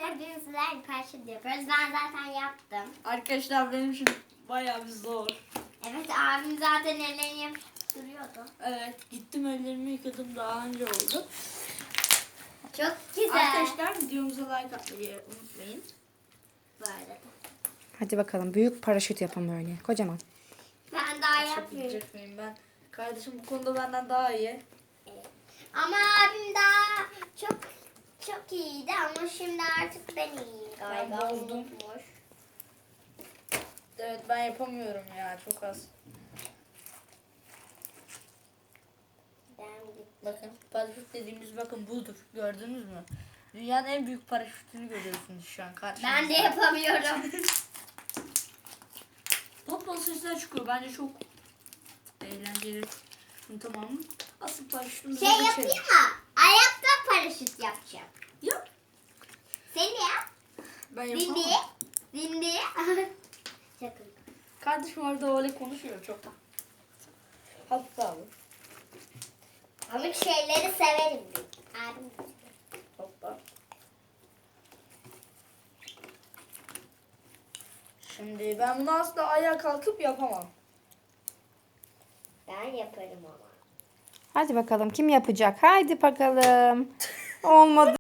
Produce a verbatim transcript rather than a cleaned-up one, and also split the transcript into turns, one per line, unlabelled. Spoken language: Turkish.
bugün sizlerle paraşüt yapıyoruz. Ben zaten yaptım.
Arkadaşlar benim için bayağı bir zor.
Evet, abim zaten ellerini yapıp duruyordu.
Evet, gittim ellerimi yıkadım, daha önce oldu.
Çok güzel.
Arkadaşlar videomuza like atmayı unutmayın.
Bu arada.
Hadi bakalım büyük paraşüt yapın böyle kocaman.
Ben daha yapmıyorum.
Yapabilecek miyim ben? Kardeşim bu konuda benden daha iyi.
Evet. Ama abim daha çok çok iyiydi ama şimdi artık ben iyiyim galiba.
Ben bozdum.
Unutmuş.
Evet, ben yapamıyorum ya, çok az.
Ben gittim.
Bakın paraşüt dediğimiz bakın budur, gördünüz mü? Dünyanın en büyük paraşütünü görüyorsunuz şu an karşınızda.
Ben de yapamıyorum.
Toplam sesler çıkıyor, bence çok eğlenceli. Şimdi tamam mı? Asıl paraşütümüze
Şey
geçelim.
yapayım mı? Ayakta paraşüt yapacağım.
Yap.
Sen de yap.
Ben
Dindi.
yapamam.
Dindi. Sakın.
Kardeşim orada öyle konuşuyor çok. Hatta abi.
Amik şeyleri severim ben. Abim.
Hoppa. Şimdi ben bunu asla ayağa kalkıp yapamam.
Ben yaparım ama.
Hadi bakalım kim yapacak? Haydi bakalım. Olmadı.